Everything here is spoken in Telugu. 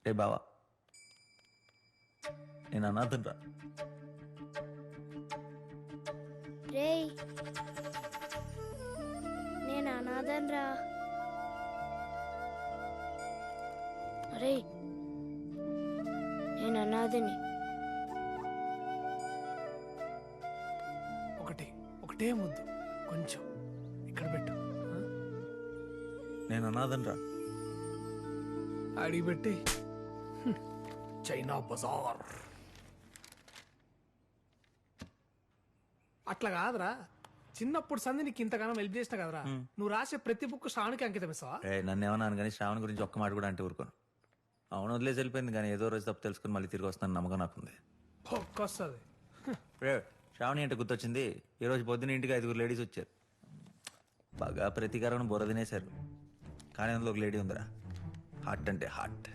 రే బావా, నేను అనాథనరా. రేయ్ నేను అనాథన్రా. అరే నేను అనాథని. ఒకటే ముద్దు కొంచెం ఇక్కడ పెట్టు. నేను అనాథనరా. అడిగి పెట్టి చైనా బజార్ అట్లా కాదురా. చిన్నప్పుడు సంధి నీకు ఇంతగానో హెల్ప్ చేసిన కదరా. నువ్వు రాసే ప్రతి బుక్ శ్రావణికి అంకితం ఇస్తావా? నన్ను ఏమన్నాను కానీ శ్రావణ్ గురించి ఒక్క మాట కూడా అంటే ఊరుకోను. అవును వదిలేసి వెళ్ళిపోయింది కానీ ఏదో రోజు తప్పు తెలుసుకుని మళ్ళీ తిరిగి వస్తాను నమ్మకం నాకుంది. ఒక్కొస్తుంది. రే శ్రావణి అంటే గుర్తొచ్చింది. ఈ రోజు పొద్దున ఇంటికి 5 లేడీస్ వచ్చారు. బాగా ప్రతీకారం బుర్ర తినేశారు. కానీ అందులో ఒక లేడీ ఉందిరా, హార్ట్ అంటే హార్ట్.